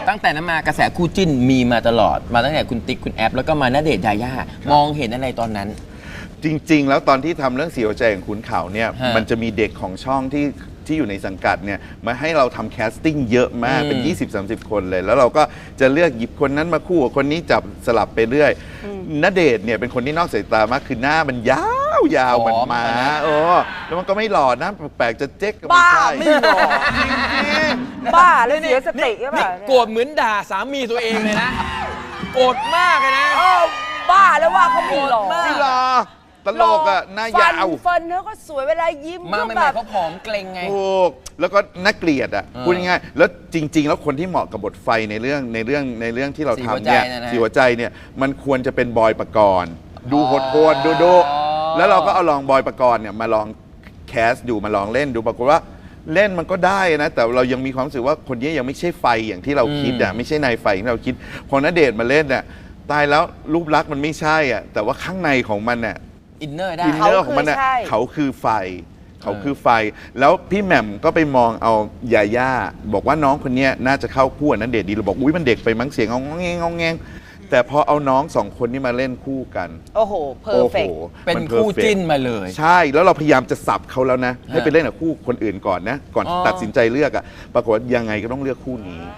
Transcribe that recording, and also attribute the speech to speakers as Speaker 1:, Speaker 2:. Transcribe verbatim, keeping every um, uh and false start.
Speaker 1: ตั้งแต่นั้นมากระแสคู่จิ้นมีมาตลอดมาตั้งแต่คุณติ๊กคุณแอฟแล้วก็มาณเดชน์ยาย่ามองเห็นอะไรตอนนั้น
Speaker 2: จริงๆแล้วตอนที่ทำเรื่องเสียวใจของขุนเขาเนี่ยมันจะมีเด็กของช่องที่ที่อยู่ในสังกัดเนี่ยมาให้เราทำแคสติ้งเยอะมากเป็น ยี่สิบสามสิบ คนเลยแล้วเราก็จะเลือกหยิบคนนั้นมาคู่กับคนนี้จับสลับไปเรื่อยณเดชน์เนี่ยเป็นคนที่นอกสายตามากคือหน้ามันยาวยาวเหมือนม้าโอ้แล้วมันก็ไม่หล่อนะแปลกจะเจ๊กก็ไม่ใช่
Speaker 3: ไม่หล่อจริงๆบ้าเลยเสียสติใช่ป่ะ
Speaker 1: โกรธเหมือนด่าสามีตัวเองเลยนะโกรธมากเลยนะ
Speaker 3: บ้าแล้วว่าเขาไม่หล่อ
Speaker 2: ไม่หล่อตลกอ่ะหน้ายาว
Speaker 3: ฟันเขาก็สวยเวลายิ้ม
Speaker 1: มาใหม่ๆเขาผอมเกรงไง
Speaker 2: ถูกแล้วก็น่าเกลียดอ่ะพูดง่ายๆแล้วจริงๆแล้วคนที่เหมาะกับบทไฟในเรื่องในเรื่องในเรื่องที่เราทำเนี่ยสีหัวใจเนี่ยมันควรจะเป็นบอยปกรณ์ดูโหดๆดูดูแล้วเราก็เอาลองบอยปกรณ์เนี่ยมาลองแคสดูมาลองเล่นดูปรากฏว่าเล่นมันก็ได้นะแต่เรายังมีความรู้สึกว่าคนนี้ยังไม่ใช่ไฟอย่างที่เราคิดอ่ะไม่ใช่นายไฟที่เราคิดพอณเดชน์มาเล่นเนี่ยตายแล้วรูปลักษณ์มันไม่ใช่อ่ะแต่ว่าข้างในของมันเนี่ย
Speaker 1: อินเนอร์ได้
Speaker 2: อินเนอร์ของมันน่ะเขาคือไฟเขาคือไฟแล้วพี่แหม่มก็ไปมองเอายาย่าบอกว่าน้องคนนี้น่าจะเข้าคู่นั้นเดชดีเราบอกอุ้ยมันเด็กไปมั้งเสียงงองแงงงองแงงแต่พอเอาน้องสองคนนี้มาเล่นคู่กัน
Speaker 3: โอ้โหเพอร์เฟกต์
Speaker 1: เป็นคู่จิ้นมาเลย
Speaker 2: ใช่แล้วเราพยายามจะสับเขาแล้วนะให้ไปเล่นกับคู่คนอื่นก่อนนะก่อนตัดสินใจเลือกอ่ะปรากฏยังไงก็ต้องเลือกคู่นี้